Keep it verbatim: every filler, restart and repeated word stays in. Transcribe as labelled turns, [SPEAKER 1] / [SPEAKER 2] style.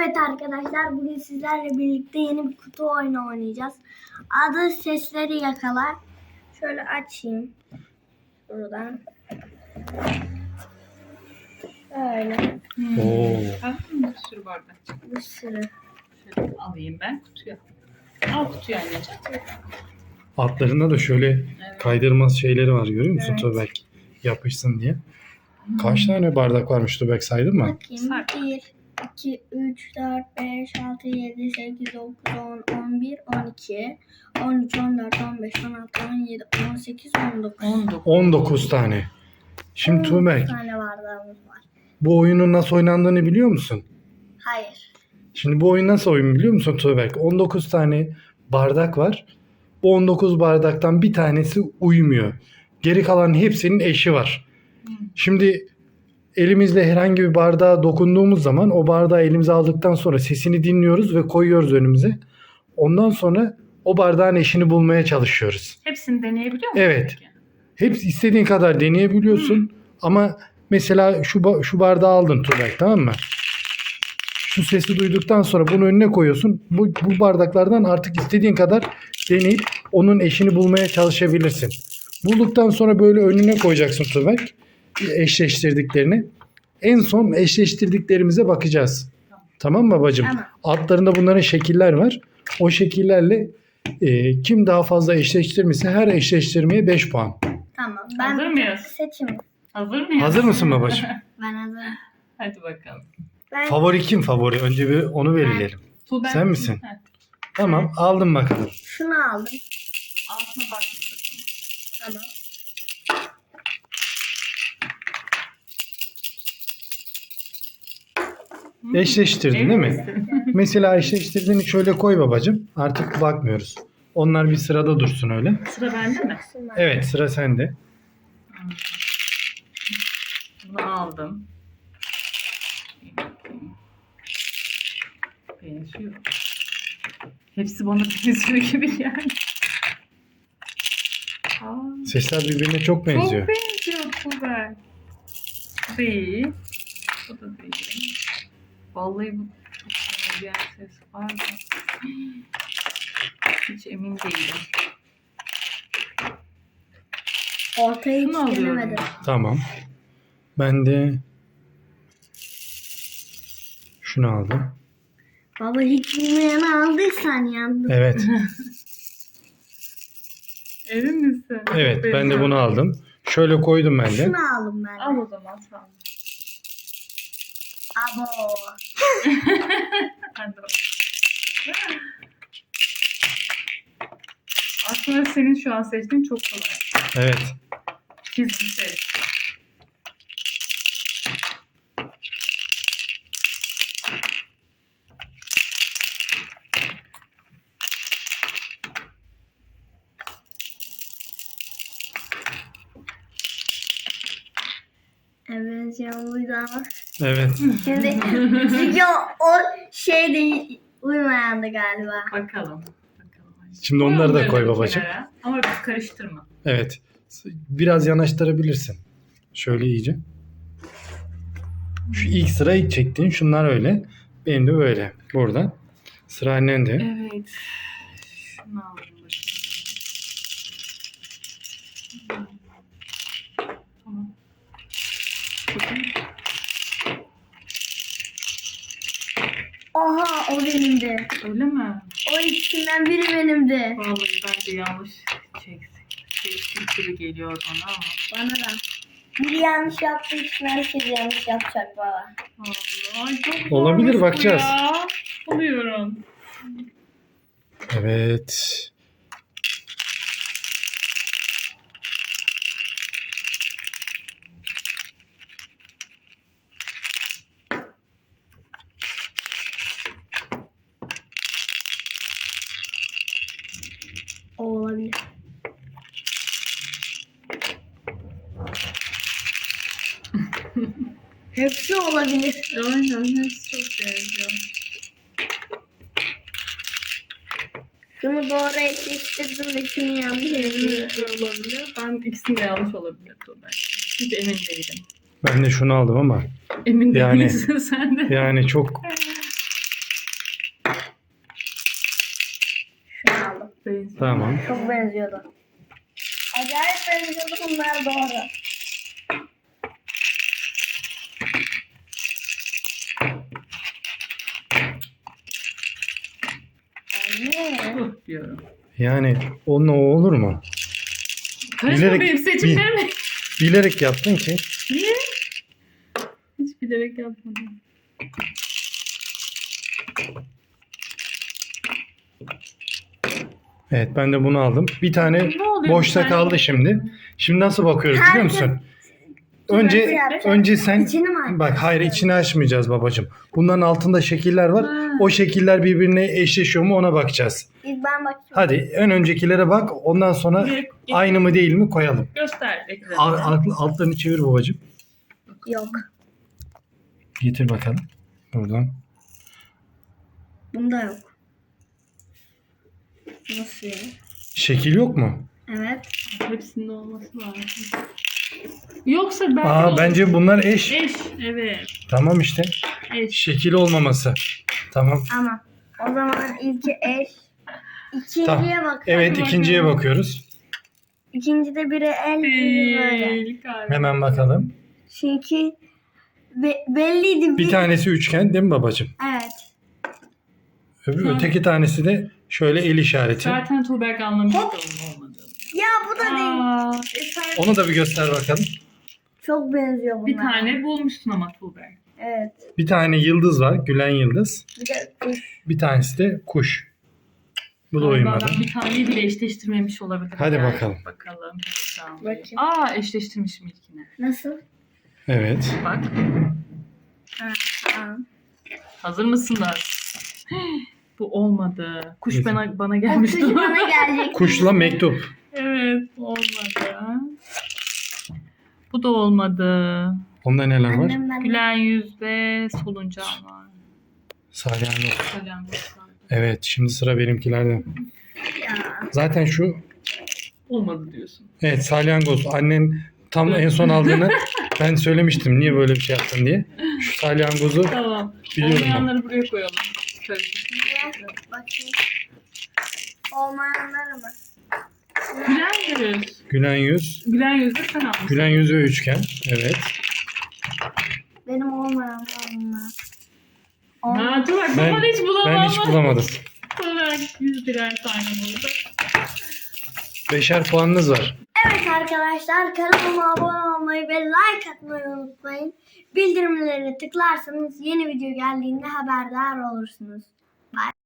[SPEAKER 1] Evet arkadaşlar, bugün sizlerle birlikte yeni bir kutu oyunu oynayacağız. Adı Sesleri Yakala. Şöyle açayım. Buradan. Şöyle.
[SPEAKER 2] Oo.
[SPEAKER 3] Bir sürü bardak.
[SPEAKER 1] Bir sürü.
[SPEAKER 3] Şöyle alayım ben kutuya. Al kutuyu anneciğim.
[SPEAKER 2] Altlarında da şöyle kaydırmaz şeyleri var, görüyor musun
[SPEAKER 1] Evet.
[SPEAKER 2] Tuğberk? Yapışsın diye. Kaç tane bardak varmış Tuğberk, saydın mı?
[SPEAKER 1] Bakayım.
[SPEAKER 3] Say.
[SPEAKER 1] bir, iki, üç, dört, beş, altı, yedi, sekiz, dokuz, on, on bir, on iki, on üç, on dört, on beş, on altı, on yedi, on sekiz, on dokuz.
[SPEAKER 3] on dokuz.
[SPEAKER 2] on dokuz tane. Şimdi Tuğberk,
[SPEAKER 1] on tane bardağımız var.
[SPEAKER 2] bu oyunun nasıl oynandığını biliyor musun?
[SPEAKER 1] Hayır.
[SPEAKER 2] Şimdi bu oyun nasıl oyun biliyor musun Tuğberk? on dokuz tane bardak var. Bu on dokuz bardaktan bir tanesi uymuyor. Geri kalan hepsinin eşi var. Şimdi elimizle herhangi bir bardağa dokunduğumuz zaman o bardağı elimize aldıktan sonra sesini dinliyoruz ve koyuyoruz önümüze. Ondan sonra o bardağın eşini bulmaya çalışıyoruz.
[SPEAKER 3] Hepsini deneyebiliyor musun?
[SPEAKER 2] Evet.
[SPEAKER 3] peki?
[SPEAKER 2] Hepsi istediğin kadar deneyebiliyorsun. Ama mesela şu ba- şu bardağı aldın Tuğberk, tamam mı? Şu sesi duyduktan sonra bunu önüne koyuyorsun. Bu, bu bardaklardan artık istediğin kadar deneyip onun eşini bulmaya çalışabilirsin. Bulduktan sonra böyle önüne koyacaksın Tuğberk, eşleştirdiklerini. En son eşleştirdiklerimize bakacağız. Tamam mı babacığım?
[SPEAKER 1] Tamam.
[SPEAKER 2] Altlarında bunların şekiller var. O şekillerle e, kim daha fazla eşleştirmişse her eşleştirmeye beş puan.
[SPEAKER 1] Tamam. Ben
[SPEAKER 3] Hazır mıyız?
[SPEAKER 1] seçim.
[SPEAKER 3] Hazır mıyız?
[SPEAKER 2] Hazır mısın babacığım?
[SPEAKER 1] Ben hazırım.
[SPEAKER 3] Hadi bakalım.
[SPEAKER 1] Ben
[SPEAKER 2] Favori kim favori? Önce bir onu belirleyelim.
[SPEAKER 3] Tuğber
[SPEAKER 2] Sen misin?
[SPEAKER 3] Evet.
[SPEAKER 2] Tamam, aldım bakalım.
[SPEAKER 1] şunu aldım.
[SPEAKER 3] Altına bakmayacağım.
[SPEAKER 1] Tamam.
[SPEAKER 2] Eşleştirdin değil
[SPEAKER 3] Emin
[SPEAKER 2] mi?
[SPEAKER 3] misin?
[SPEAKER 2] Mesela eşleştirdiğini şöyle koy babacığım. Artık bakmıyoruz. Onlar bir sırada dursun öyle.
[SPEAKER 3] Sıra bende mi?
[SPEAKER 1] Şunu
[SPEAKER 2] Evet, sıra sende.
[SPEAKER 3] Bunu aldım. Benziyor. Hepsi bana benziyor gibi yani. Aa,
[SPEAKER 2] Sesler birbirine çok benziyor.
[SPEAKER 3] Çok benziyor Tuğber. Bu değil. Bu da değil. Vallahi bu çok benzeyen ses var da. Hiç emin değilim.
[SPEAKER 1] Ortaya hiç
[SPEAKER 3] Şunu alıyorum.
[SPEAKER 1] denemedim.
[SPEAKER 2] Tamam. Ben de şunu aldım.
[SPEAKER 1] Baba hiç bilmeyeni aldıysan yandın.
[SPEAKER 2] Evet.
[SPEAKER 3] Emin misin?
[SPEAKER 2] Evet,
[SPEAKER 3] Çok
[SPEAKER 2] ben de
[SPEAKER 3] benziyor.
[SPEAKER 2] bunu aldım. Şöyle koydum ben de.
[SPEAKER 1] Şunu aldım ben de.
[SPEAKER 3] Al o zaman sen.
[SPEAKER 1] Abo.
[SPEAKER 3] Hadi bakalım. Aslında senin şu an seçtiğin çok kolay.
[SPEAKER 2] Evet.
[SPEAKER 3] Gizli ses.
[SPEAKER 1] Evet buydu ama.
[SPEAKER 2] Evet.
[SPEAKER 1] Şimdi çünkü o, o şey de uymayandı galiba.
[SPEAKER 3] Bakalım. Bakalım.
[SPEAKER 2] Şimdi onları da
[SPEAKER 3] Koy
[SPEAKER 2] koy
[SPEAKER 3] onları
[SPEAKER 2] babacığım.
[SPEAKER 3] kenara. Ama bir karıştırma.
[SPEAKER 2] Evet. Biraz yanaştırabilirsin. Şöyle iyice. Şu ilk sıra ilk çektiğin şunlar öyle. Benim de böyle. Burada. Sıra annende.
[SPEAKER 3] Evet. Şunu alalım bakayım. Tamam. Bakayım.
[SPEAKER 1] Oha o benimdi.
[SPEAKER 3] Öyle mi?
[SPEAKER 1] O ikisinden biri benimdi.
[SPEAKER 3] Vallahi bence yanlış çektim. Çektim gibi geliyor bana ama.
[SPEAKER 1] Bana da. Biri yanlış yaptığı için herkes yanlış yapacak baba.
[SPEAKER 3] Vallahi çok
[SPEAKER 2] Olabilir,
[SPEAKER 3] zormuş bu
[SPEAKER 2] bakacağız.
[SPEAKER 3] ya. Buluyorum.
[SPEAKER 2] Evet.
[SPEAKER 1] O olabilir. Hepsi olabilir.
[SPEAKER 3] Aynen hepsi çok benziyor.
[SPEAKER 1] Şunu doğru eşleştirdim ve şunu yanlış eşleştirdim.
[SPEAKER 3] Olabilir. Ben ikisini de yanlış olabilir. Hiç emin değilim.
[SPEAKER 2] Ben de şunu aldım ama
[SPEAKER 3] Emin
[SPEAKER 2] Yani-
[SPEAKER 3] değilsin sen de.
[SPEAKER 2] yani çok
[SPEAKER 3] benziyor.
[SPEAKER 2] Tamam.
[SPEAKER 1] Çok benziyordu. Acayip benziyordu, bunlar doğru. Anne.
[SPEAKER 3] Huh diyorum.
[SPEAKER 2] Yani onunla o olur mu?
[SPEAKER 3] Karışma
[SPEAKER 2] Bilerek-
[SPEAKER 3] benim seçimlerime.
[SPEAKER 2] Bilerek yaptın ki.
[SPEAKER 3] Niye? Hiç bilerek yapmadım.
[SPEAKER 2] Evet, ben de bunu aldım. Bir tane
[SPEAKER 3] Ne oluyor
[SPEAKER 2] boşta
[SPEAKER 3] bir tane?
[SPEAKER 2] kaldı şimdi. Şimdi nasıl bakıyoruz biliyor musun? Önce
[SPEAKER 1] yapacağım.
[SPEAKER 2] önce sen
[SPEAKER 1] İçini mi açacağız?
[SPEAKER 2] bak, hayır, içini açmayacağız babacığım. Bunların altında şekiller var.
[SPEAKER 3] Ha.
[SPEAKER 2] O şekiller birbirine eşleşiyor mu ona bakacağız.
[SPEAKER 1] İlk ben bakıyorum.
[SPEAKER 2] Hadi en öncekilere bak. Ondan sonra
[SPEAKER 3] Bir-
[SPEAKER 2] aynı mı değil mi koyalım.
[SPEAKER 3] Göster ekrana.
[SPEAKER 2] Alt, alt- altlarını çevir babacığım.
[SPEAKER 1] Yok.
[SPEAKER 2] Getir bakalım. Buradan.
[SPEAKER 1] Bunda yok. Nasıl ya?
[SPEAKER 2] Şekil yok mu?
[SPEAKER 1] Evet.
[SPEAKER 3] Hepsinde olması lazım. Yoksa ben
[SPEAKER 2] Aa, bence bunlar eş.
[SPEAKER 3] Eş, evet.
[SPEAKER 2] Tamam işte.
[SPEAKER 3] Eş.
[SPEAKER 2] Şekil olmaması. Tamam.
[SPEAKER 1] Ama o zaman ilki eş. İkinciye
[SPEAKER 2] Tamam.
[SPEAKER 1] bak.
[SPEAKER 2] Evet,
[SPEAKER 1] Hadi
[SPEAKER 2] ikinciye
[SPEAKER 1] bakalım.
[SPEAKER 2] bakıyoruz.
[SPEAKER 1] İkincide biri el, biri böyle.
[SPEAKER 3] Değil galiba.
[SPEAKER 2] Hemen bakalım.
[SPEAKER 1] Çünkü be- belliydi.
[SPEAKER 2] Bir tanesi üçgen değil mi babacığım?
[SPEAKER 1] Evet.
[SPEAKER 2] Öbür,
[SPEAKER 3] Hı.
[SPEAKER 2] öteki tanesi de şöyle el işareti.
[SPEAKER 3] Zaten Tuğberk anlamıştı onun olmadığını.
[SPEAKER 1] Ya bu da değil.
[SPEAKER 3] Aa, eser.
[SPEAKER 2] Onu da bir göster bakalım.
[SPEAKER 1] Çok benziyor bunlar.
[SPEAKER 3] Bir tane bulmuşsun ama Tuğberk.
[SPEAKER 1] Evet.
[SPEAKER 2] Bir tane yıldız var. Gülen yıldız.
[SPEAKER 1] Bir de kuş.
[SPEAKER 2] Bir tanesi de kuş. Bu da
[SPEAKER 3] Galiba
[SPEAKER 2] uymadı.
[SPEAKER 3] ben bir taneyi bile eşleştirmemiş olabilir.
[SPEAKER 2] Hadi
[SPEAKER 3] Yani.
[SPEAKER 2] bakalım.
[SPEAKER 3] Bakalım. Heyecanlıyım.
[SPEAKER 1] Bakayım.
[SPEAKER 3] Aa, eşleştirmişim ilkini.
[SPEAKER 1] Nasıl?
[SPEAKER 2] Evet.
[SPEAKER 3] Bak.
[SPEAKER 1] Ha, ha.
[SPEAKER 3] Hazır mısınız? Bu olmadı. Kuş
[SPEAKER 2] Neyse.
[SPEAKER 3] bana, bana
[SPEAKER 1] O
[SPEAKER 3] gelmişti.
[SPEAKER 1] kuş bana gelecek.
[SPEAKER 2] Kuşla mektup.
[SPEAKER 3] Evet, olmadı. Bu da olmadı.
[SPEAKER 2] Onda neler var?
[SPEAKER 1] Annem ben.
[SPEAKER 3] Gülen yüz ve soluncan var.
[SPEAKER 2] Salyangoz.
[SPEAKER 3] Salyangoz var.
[SPEAKER 2] Evet, şimdi sıra benimkilerde.
[SPEAKER 1] Ya.
[SPEAKER 2] Zaten şu,
[SPEAKER 3] Olmadı diyorsun.
[SPEAKER 2] evet, salyangoz. Annen tam en son aldığını ben söylemiştim. Niye böyle bir şey yaptın diye. Şu salyangozu
[SPEAKER 3] Tamam.
[SPEAKER 2] Biliyorum ben.
[SPEAKER 3] Olmayanları buraya koyalım. Şöyle.
[SPEAKER 1] Bakayım. Olmayanlar mı?
[SPEAKER 3] Gülen yüz.
[SPEAKER 2] gülen yüz.
[SPEAKER 3] Gülen yüz de sen almışsın.
[SPEAKER 2] Gülen yüz ve üçgen. Evet.
[SPEAKER 1] Benim olmayanlar bunlar.
[SPEAKER 3] Ha, dur bak,
[SPEAKER 2] Ben-
[SPEAKER 3] ben hiç bulamadım.
[SPEAKER 2] Ben hiç bulamadım.
[SPEAKER 3] Tuğberk yüz birer tane buldu.
[SPEAKER 2] Beşer puanınız var.
[SPEAKER 1] Evet arkadaşlar, kanalıma abone olmayı ve like atmayı unutmayın. Bildirimleri tıklarsanız yeni video geldiğinde haberdar olursunuz. Bye.